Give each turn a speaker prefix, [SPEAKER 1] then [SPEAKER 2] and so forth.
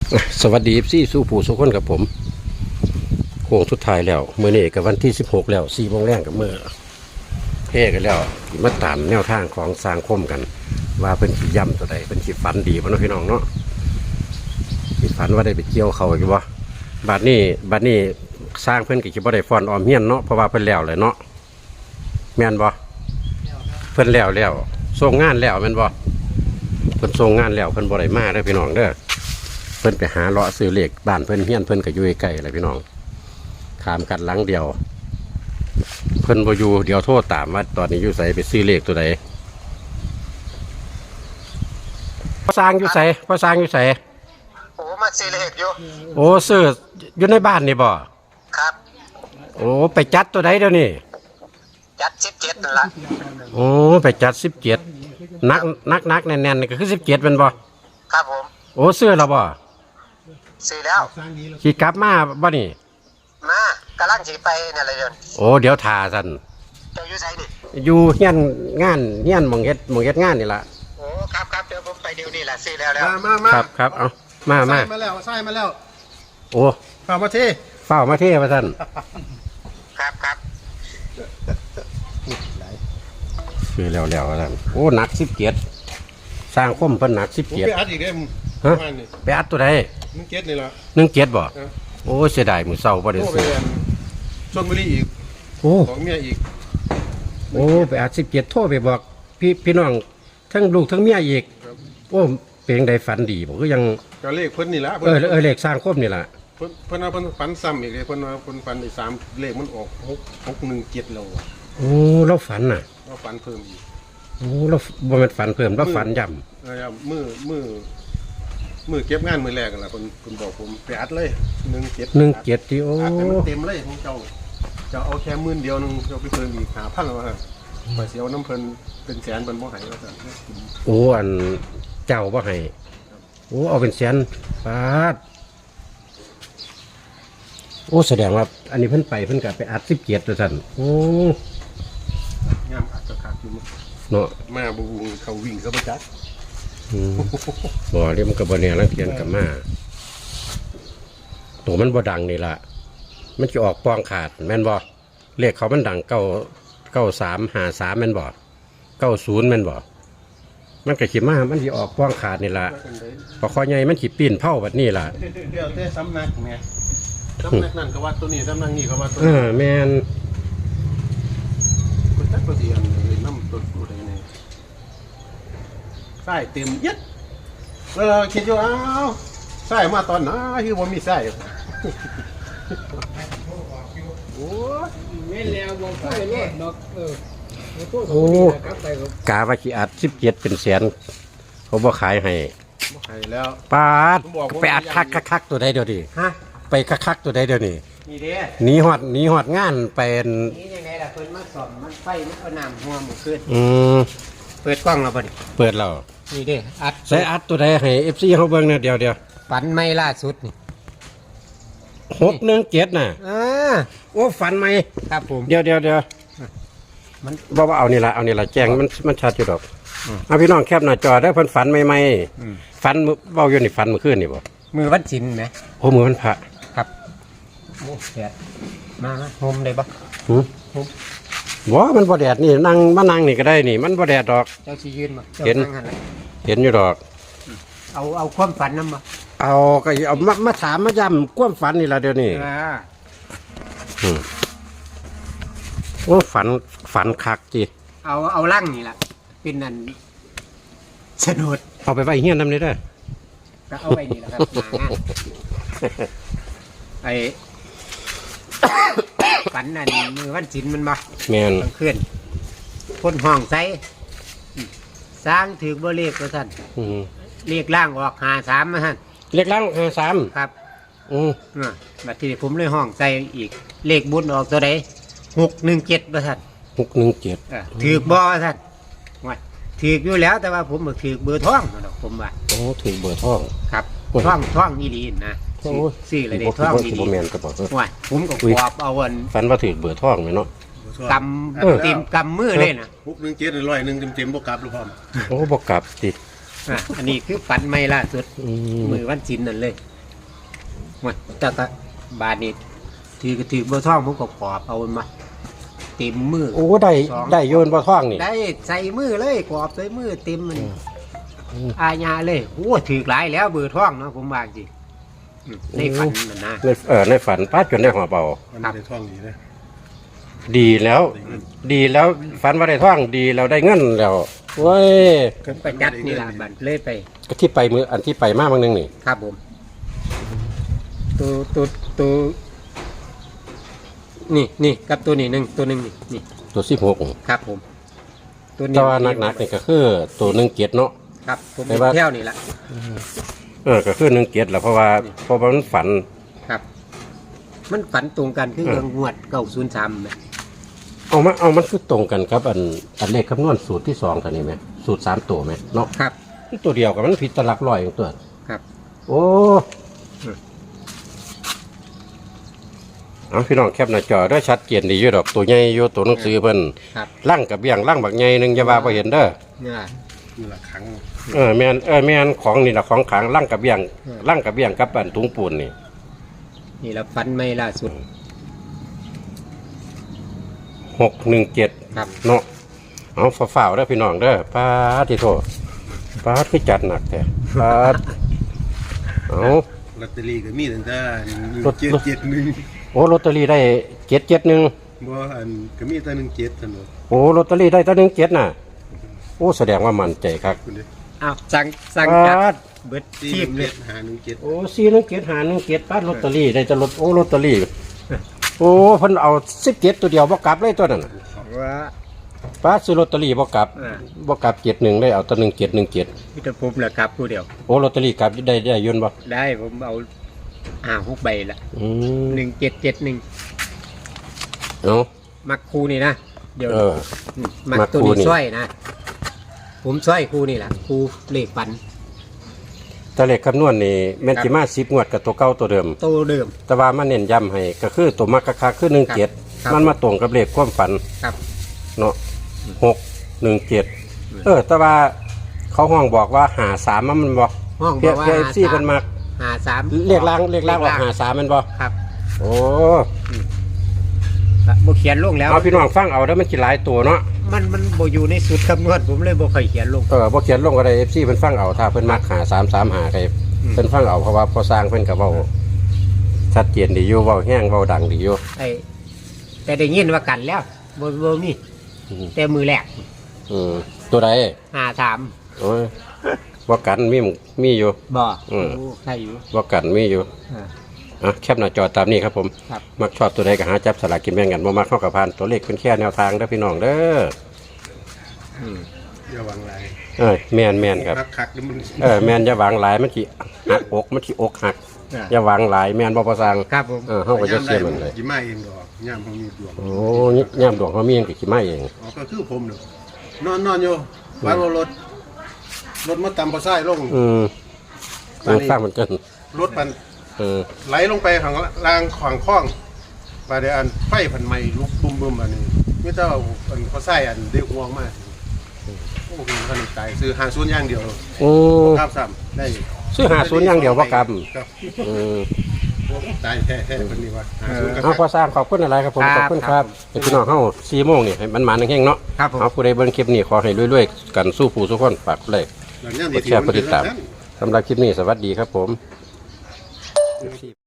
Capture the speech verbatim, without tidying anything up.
[SPEAKER 1] สวัสดีซี่สู้ผู้สุขคนกับผมโค้งสุดท้ายแล้วเมื่อนี้กับวันที่สิบหกแล้วสี่โมงแรกกับเมื่อเพ่กันแล้วมาตามแนวทางของสร้างคมกัน ว่าเป็นขีย่ำตัวใดเป็นขีฝันดีพ่อน้องพี่น้องเนาะขีฝันว่าได้ไปเกี่ยวเขาอยู่บ่บัดนี้บัดนี้สร้างเพิ่นกับขีบ่ได้ฟอนออมเฮียนเนาะเพราะว่าเพิ่นแล้วเลยเนาะแม่นบ่เพิ่นแล้วแล้วส่งงานแล้วแม่นบ่เพิ่นส่งงานแล้วเพิ่นบ่ได้มาเด้อพี่น้องเด้อเพิ่นไปหาเลาะซื้อเหล็กบ้านเพิ่นเฮียนเพิ่นก็อยู่ใกล้ๆอะไรพี่น้องขามกันหลังเดียวเพิ่นบ่อยู่เดี๋ยวโทษตามว่าตอนนี้อยู่ไสไปซื้อเหล็กตัวใดพ่อสร้างอยู่ไสพ่อสร้างอยู่ไส
[SPEAKER 2] โอ้มาซื้อเลขอยู่
[SPEAKER 1] โอ้ซื้ออยู่ในบ้านนี่บ่
[SPEAKER 2] ครับ
[SPEAKER 1] โอ้ไปจัดตัวใดเดี๋ยวนี้
[SPEAKER 2] จัดสิบเจ็ดนั่นละ
[SPEAKER 1] โอ้ไปจัดสิบเจ็ดนักนักนักแน่นๆนี่ก็คือสิบเจ็ดเป็นบ่
[SPEAKER 2] ครับผม
[SPEAKER 1] โอ้ซื้อแล้วบ่
[SPEAKER 2] ซื้อแล้ว
[SPEAKER 1] ขี่กลับมาบ่นี่
[SPEAKER 2] มากำลังสิไปนี่อะไรเดิน
[SPEAKER 1] โอ้เดี๋ยวท่าซั่น
[SPEAKER 2] เจ้าอยู่ไสนี่
[SPEAKER 1] อยู่เฮียนงานเฮียนหม่องเฮ็ดหม่องเฮ็ดงานนี่ล่ะ
[SPEAKER 2] โอ้ครับครับเดี๋ยวผมไปเดี๋ยวนี้แหละซื้อแล้วแล้ว
[SPEAKER 3] มามา
[SPEAKER 1] ครับครับเอามามา
[SPEAKER 3] มาแล้วใช่มาแล้ว
[SPEAKER 1] โอ้
[SPEAKER 3] ฝ่ามาที่
[SPEAKER 1] เฝ้ามาเทว่าซั่น
[SPEAKER 2] ครับครับ
[SPEAKER 1] คือแล้วแล้วว่าซั่นโอ้หนักสิบเจ็ดสร้างคมเพิ่นหนักสิบเจ็ด
[SPEAKER 3] ไปอัดอีกได้มึง
[SPEAKER 1] ฮะไปอัดตัวใด
[SPEAKER 3] มึงเก็ตนี่ละ
[SPEAKER 1] หนึ่งเจ็ดบ่โอ้เสียดายมื้อเช้าบ่ได้ซื้อ
[SPEAKER 3] ชลบุรีอีก
[SPEAKER 1] โอ้
[SPEAKER 3] ของเมียอีก
[SPEAKER 1] โอ้ไปอัดสิบเจ็ดโทรไปบอกพี่พี่น้องทั้งลูกทั้งเมียอีกโอ้เป็นจังไดฝันดีบ่คือยัง
[SPEAKER 3] ก็เลขเพิ่นนี่ละ
[SPEAKER 1] เออเออเลขสร้างคมนี่ล่ะ
[SPEAKER 3] เพิ่นเพิ่นว่าเพิ่นฝันซ้ำอีกเลยเพิ่นว่าเพิ่นฝันอีกสามเลขมันออกหกหกหนึ่งเจ็ดแล้ว
[SPEAKER 1] โอ้เราฝันน่ะ
[SPEAKER 3] เราฝันเพิ่มอีก
[SPEAKER 1] โอ้เราบ่แม่นฝันเพิ่มเราฝันย่ำ
[SPEAKER 3] เออมือมือมือเก็บงานมือแรกกันล่ะเพิ่นเพิ่นบอกผมไปอัดเลยหนึ่งเจ็ด
[SPEAKER 1] หนึ่งเจ็ดที่โอ้
[SPEAKER 3] อัดให้มันเต็มเลยของเจ้าจะเอาแค่หมื่นเดียวนึงเจ้าไปเพิ่มอีกห้าพันแล้วว่าไปเสียวน้ำเพิ่นเป็นแสนเพิ่นบ่ให้ว่าซั่น
[SPEAKER 1] โอ้อันเจ้าบ่ให้โอ้เอาเป็นแสนบาทโอ้แสดงว่าอันนี้เพิ่นไปเพิ่นก็ไปอัดสิบเจ็ดตัวสั่นโอ้
[SPEAKER 3] งามอัดกระคักอยู่
[SPEAKER 1] เนาะ
[SPEAKER 3] มาบูเขาวิ่งเขาไปจัด
[SPEAKER 1] บ่เรียมันก็บ่แน่ลังเทียนกับมาตัวมันบ่ดังนี่ล่ะมันจะออกปองขาดแม่นบ่เลขเขามันดังเก้าเก้าสามห้าสามแม่นบ่เก้าศูนย์แม่นบ่มันก็สิมามันสิออกปองขาดนี่ล่ะพอคอใหญ่มันสิปีนเผาแบบนี้ล่ะ
[SPEAKER 3] เดี๋ยวแต่สำนักแม่สำนักนั่นก็ว่าตัวนี้สำนักนี้ก็ว่าตัว
[SPEAKER 1] นี้เออแม่น
[SPEAKER 3] คนตัดตัวเดียวเลยน้ำตัวตัวใดนี่ใส่เต็มยัดแล้วเราคิดอยู่อ้าวใส่มาตอนไหนคือว่ามีใส่
[SPEAKER 2] โอ้ไม่แล้วบ่ค่อยรอดดอกเออ
[SPEAKER 1] โอ้กาว่าขี้อัดสิบเจ็ดเป็นแสนเขาบ่ขายให้
[SPEAKER 3] บ่ขายแล้ว
[SPEAKER 1] ปาดไปอัดคักคักตัวใดเดี๋ยวดิ
[SPEAKER 2] ฮะ
[SPEAKER 1] ไปคักคักตัวใดเดี๋ยวนี้
[SPEAKER 2] นี่เด้
[SPEAKER 1] หนีหอดหนีหอดงานเป็น
[SPEAKER 2] นี่ยังไงล่ะเพิ่นมาสอนมันไฟมันก็น้ำหัวหมู่ขึ้น
[SPEAKER 1] อืม
[SPEAKER 2] เปิดกล้องแล้วบ่นี่
[SPEAKER 1] เปิดแล้ว
[SPEAKER 2] นี่เด้อัด
[SPEAKER 1] ใส่อัดตัวใดให้ เอฟ ซี เฮาเบิ่งเนี่ยเดี๋ยวเดี๋ยว
[SPEAKER 2] ฝันไม่ล่าสุดนี่
[SPEAKER 1] หกหนึ่งเจ็ดน่ะ
[SPEAKER 2] อ่า
[SPEAKER 1] โอ้ฝันไหม
[SPEAKER 2] ครับผม
[SPEAKER 1] เดี๋ยวเดี๋ยวเดี๋ยวมันบ่ว่าเอานี่ล่ะเอานี่ล่ะแจ้งมันมันชัดอยู่ดอกเอาพี่น้องแคปหน้าจอได้เพิ่นฝันใหม่ๆฝันเว้าอยู่นี่ฝันเมื่อคืนนี่บ่
[SPEAKER 2] มือวันศีลแหม
[SPEAKER 1] โอ้มือวันพระ
[SPEAKER 2] ครับโอ้แดดมามาโฮมได้บ่
[SPEAKER 1] หือโฮมบ่มันบ่แดดนี่นั่งมานั่งนี่ก็ได้นี่มันบ่แดดดอก
[SPEAKER 2] เจ้าสิยืนบ่
[SPEAKER 1] เห็นเห็นอยู่ดอก
[SPEAKER 2] เอาเอาความฝันนำบ่
[SPEAKER 1] เอาก็เอามามาถามมาย้ำความฝันนี่ล่ะเดี๋ยวนี้
[SPEAKER 2] อ่า
[SPEAKER 1] อืมโอ้ฝันฝันคักจิ
[SPEAKER 2] เอาเอาลั่งนี่ล่ะเป็นนั่นสนุด
[SPEAKER 1] เอาไปไว้เฮียนนำนี่เด้อ
[SPEAKER 2] ก็เอาไว้นี่ล่ะครับไอ้ฝันนั่นมือวันศีลมันบ่
[SPEAKER 1] แม่น
[SPEAKER 2] กลางคืนคนห้องใส่สร้างถือบ่เลขว่าซั่น
[SPEAKER 1] อือ
[SPEAKER 2] เลขล่างออกห้าสามมาซั่น
[SPEAKER 1] เลขล่างห้าสาม
[SPEAKER 2] ครับ
[SPEAKER 1] อือ
[SPEAKER 2] อ่าบัดนี้ผมเลยห้องใส่อีกเลขบุญออกตัวใดหกหนึ่งเจ็ดว่าซั่น
[SPEAKER 1] หกหนึ่งเจ็ด
[SPEAKER 2] เออถือบ่ว่าซั่นว่าถืออยู่แล้วแต่ว่าผมบ่ถือเบอร์ท้องดอกผมว่า
[SPEAKER 1] โอ้ถือเบอร์ท้อง
[SPEAKER 2] ครับท้องท้องอีหลีนะซื้ออะไรได้ท้องอีหลีว่าผมก็กวาดเอาอัน
[SPEAKER 1] ฝันว่าถือเบอร์ท้องแม่เนาะ
[SPEAKER 2] กำเต็มกำมือเลยนะ
[SPEAKER 3] หกหนึ่งเจ็ดร้อยหนึ่งเต็มๆบ่กลับหรือพร้อม
[SPEAKER 1] โอ้บ่กลับติ
[SPEAKER 2] อ่ะอันนี้คือฝันใหม่ล่าสุดมือวันศีลนั่นเลยมันแต่ก็บาทนี่ถือก็ถือเบอร์ท่องผมก็ขอบเอามาเต็มมือ
[SPEAKER 1] โอ้ได้ได้โยนบ่ท่องนี่
[SPEAKER 2] ได้ใส่มือเลยขอบใส่มือเต็มมันอาญาเลยโอ้ถือหลายแล้วเบอร์ท่องเนาะผมว่าจริงอืมในฝันนั่นนะ
[SPEAKER 1] ในเออในฝันป้าจนได้หอบเอา
[SPEAKER 3] มันได้ท่องดีนะ
[SPEAKER 1] ดีแล้ว ดีแล้วฝันว่าได้ท่องดีแล้วได้เงินแล้วเว้ย
[SPEAKER 2] ผมไปจัดนี่ล่ะบันเลยไป
[SPEAKER 1] ก็ที่ไปมืออันที่ไปมาบางนึงนี่
[SPEAKER 2] ครับผมตัวตัวตัวนี่นี่กับตัวนี้หนึ่งตัวหนึ่งนี่นี่
[SPEAKER 1] ตัวสิบหก
[SPEAKER 2] ครับผมตัวนี้
[SPEAKER 1] แต่ว่านักๆนี่ก็คือตัวหนึ่งเกียรเนาะ
[SPEAKER 2] ครับผม
[SPEAKER 1] แต่ว่า
[SPEAKER 2] เที่ยวนี่แหละ
[SPEAKER 1] เออก็คือหนึ่งเกียรแหละเพราะว่าเพราะว่ามันฝัน
[SPEAKER 2] ครับ มันฝันตรงกันคือเรื่องงวดเก้าศูนย์สามไหม
[SPEAKER 1] เอามาเอามันคือตรงกันครับอันอันเลขคำนวณสูตรที่สองตัวนี้ไหมสูตรสามตัวไหมเนาะ
[SPEAKER 2] ครับ
[SPEAKER 1] ตัวเดียวกับมันผิดตลักร้อยอย่างตัว
[SPEAKER 2] ครับ
[SPEAKER 1] โอ้เอาพี่น้องแคปหน้าจอได้ชัดเจนดีอยู่ดอกตัวใหญ่อยู่ตัวหนังสือเพิ่น
[SPEAKER 2] ครับ
[SPEAKER 1] ล่างกับเบี้ยงล่างบักใหญ่หนึงอย่าว่าบ่เห็นเด้อ
[SPEAKER 2] เนี่ย
[SPEAKER 3] นี่ละครั้ง
[SPEAKER 1] เออแม่นเออแม่นของนี่ล่ะของขลังล่างกับเบี้ยง
[SPEAKER 2] อืม
[SPEAKER 1] ล่างกับเบี้ยงกับอันถุงปูนนี่
[SPEAKER 2] นี่เราฝันไม่ล่าสุด
[SPEAKER 1] หกหนึ่งเจ็ด
[SPEAKER 2] ครับ
[SPEAKER 1] เนาะเอาฝ่าวๆเด้อพี่น้องเด้อป้าดที่โทษป้าดคือจัดหนักแต่ป้าดเอา
[SPEAKER 3] ลอตเตอรี่ก็มีตั้งแต่
[SPEAKER 1] รถ
[SPEAKER 3] เจ็ดเจ็ดหนึ่ง
[SPEAKER 1] โอ้ลอตเตอรี่ได้เจ็ดเจ็ดหนึ่ง
[SPEAKER 3] บ่อันก็มีแต่หนึ่งเจ็ดสนุก
[SPEAKER 1] โอ้ลอตเตอรี่ได้ตั้งหนึ่งเจ็ดน่ะโอ้แสดงว่ามั่นใจครับ
[SPEAKER 3] คุณดิ
[SPEAKER 2] อ้าวสั่งสั่ง
[SPEAKER 1] ป้า
[SPEAKER 2] จัด
[SPEAKER 1] ด
[SPEAKER 2] เบิด
[SPEAKER 3] สี่
[SPEAKER 2] ที
[SPEAKER 3] ห
[SPEAKER 2] ม
[SPEAKER 3] นึ่ง
[SPEAKER 2] เล
[SPEAKER 3] เจ็
[SPEAKER 2] ย
[SPEAKER 3] ดหาหนึ่งเจ็ด
[SPEAKER 1] โอ้สี่หนึ่งเจ็ดหาหนึ่งเจ็ดป้าดลอตเตอรี่ได้จะลดโอ้ลอตเตอรี่โอ้เพิ่นเอาสิบเจ็ดตัวเดียวบ่กลับเลยตัวนั้นน่ะ
[SPEAKER 2] ว่า
[SPEAKER 1] ป้าดซื้อลอตเตอรี่บ่กลับ
[SPEAKER 2] อ่า
[SPEAKER 1] บ่กลับเจ็ดหนึ่งได้เอาตัวหนึ่งเจ็ดหนึ่งเจ็ด
[SPEAKER 2] พิธภูมิแหละครับผู้เดียว
[SPEAKER 1] โอ้ลอตเตอรี่กลับได้ได้ยนต์บ่
[SPEAKER 2] ได้ผมเอาอ่าหกใบละ
[SPEAKER 1] อืม
[SPEAKER 2] หนึ่งเจ็ดเจ็ดหนึ่ง
[SPEAKER 1] เอา
[SPEAKER 2] มักครูนี่นะเดี๋ยว
[SPEAKER 1] เออ
[SPEAKER 2] มมัก
[SPEAKER 1] มัก
[SPEAKER 2] ตัว
[SPEAKER 1] ครู
[SPEAKER 2] นี้
[SPEAKER 1] นี่
[SPEAKER 2] สร้อยนะ ผมสร้อยครูนี่แหละครูเลขฝัน
[SPEAKER 1] แต่เลขคำนวณนี่แม่นสิมาสิบงวดกับตัวเก่าตัวเดิม
[SPEAKER 2] โตเดิม
[SPEAKER 1] แต่ว่ามันเน้นย้ำให้ก็คือตัวมักกะคักคือหนึ่งเจ็ด
[SPEAKER 2] ครับ
[SPEAKER 1] มันมาตรงกับเลขความฝัน
[SPEAKER 2] ครับ
[SPEAKER 1] เนาะหกหนึ่งเจ็ดเออ แต่ว่าเขาห้องบอกว่าหาสามมันบอก
[SPEAKER 2] ห้อง
[SPEAKER 1] เพี
[SPEAKER 2] บ
[SPEAKER 1] ย
[SPEAKER 2] อกว่า
[SPEAKER 1] เพีย
[SPEAKER 2] หา
[SPEAKER 1] ซี่
[SPEAKER 2] สา
[SPEAKER 1] เป็
[SPEAKER 2] ม
[SPEAKER 1] นมัก
[SPEAKER 2] หาสาม
[SPEAKER 1] เรียกล้างเรียกล้างออกหาสามมันบอก
[SPEAKER 2] ครับ
[SPEAKER 1] โอ้
[SPEAKER 2] บ่เขียนลงแล้ว
[SPEAKER 1] เอาพี่น้องฟังเอาแล้วมันกี่หลายตัวเนาะ
[SPEAKER 2] มันมันบ่อยู่ในสูตรคำนวณผมเลยบ่ค่อยเขียนลง
[SPEAKER 1] เออบ่เขียนลงก็ได้เอฟซีเพิ่นฟังเอาถ้าเพิ่นมักหาสามสามหาใคร
[SPEAKER 2] อืม
[SPEAKER 1] เพิ่นฟังเอาเพราะว่าพอสร้างเพิ่นก็เว้าชัดเจนดีอยู่เว้าแห้งเว้าดังดีอยู่
[SPEAKER 2] ไอ้แต่ได้ยินว่ากันแล้วบ่บ่มี
[SPEAKER 1] อืม
[SPEAKER 2] แต่มือแรก
[SPEAKER 1] อืมตัวใด
[SPEAKER 2] หาสาม
[SPEAKER 1] โอ้ยว่ากันมีมีอยู่
[SPEAKER 2] บ่
[SPEAKER 1] อืม
[SPEAKER 2] โอ้ใช่อยู่
[SPEAKER 1] ว่ากันมีอยู่
[SPEAKER 2] อ่า
[SPEAKER 1] อ่ะแคปหน้าจอตามนี้ครับผม
[SPEAKER 2] ครับ
[SPEAKER 1] มักชอบตัวใดก็หาจับสลากกินแบ่งกันบ่มักเข้ากับพานตัวเลขเป็นแค่แนวทางเด้อพี่น้องเด้อ
[SPEAKER 2] อืม
[SPEAKER 3] อย่าวางไร
[SPEAKER 1] เออแม่นแม่นครับ
[SPEAKER 3] คักคักๆแล้วมัน
[SPEAKER 1] เออแม่นอย่าหวางหลายมันสิหักอกมันสิอกหัก
[SPEAKER 2] อ่า
[SPEAKER 1] อย่าหวางหลายแม่นบ่ประสัง
[SPEAKER 2] ครับผม
[SPEAKER 1] เออเฮาก็จะเสียมันเลย
[SPEAKER 3] ยิ้มมาเองดอกย่ามเขามีดวง
[SPEAKER 1] โอ้ยย่ามดวงเฮามีหยังก็สิมาเอง
[SPEAKER 3] อ๋อก็คือผมเด้อนอนนอนอยู่วางรถรถมาตำพอไส้ลง
[SPEAKER 1] อืม
[SPEAKER 3] ตอนนี้
[SPEAKER 1] สร้างมันเกิน
[SPEAKER 3] รถมัน
[SPEAKER 1] เออ
[SPEAKER 3] ไหลลงไปข้างล่างขวางคล้องปลาเดียอันไฟพันไหม้ลุกบุ้มบุ้มอันนี้ไม่เจ้าอันเขาใส่อันได้ห่วงมากโอ้โหคันนี้ตายซื้อหาศูนย์อย่างเดียว
[SPEAKER 1] โอ้
[SPEAKER 3] ข้ามซ้ำได้
[SPEAKER 1] ซื้อหาศูนย์อย่างเดียวบ่ครับ
[SPEAKER 3] ครับ
[SPEAKER 1] อืม
[SPEAKER 3] โอ้ตายแท้แท้คนนี้ว่าหาศูนย์ก็
[SPEAKER 1] เอาพอสร้างขอบคุณอะไรครับผมขอบคุณครับให้พี่น้องเฮาสี่โมงนี่ให้มันมาแห้งๆเนาะ
[SPEAKER 2] ครับผม
[SPEAKER 1] เอาผู้ใดเบิ่งคลิปนี้ขอให้รวยๆกันสู้ผู้สู้คนฝากเลย
[SPEAKER 3] หลังจาก
[SPEAKER 1] กดแชร์กดติดตาม สำหรับคลิปนี้สวัสดีครับผม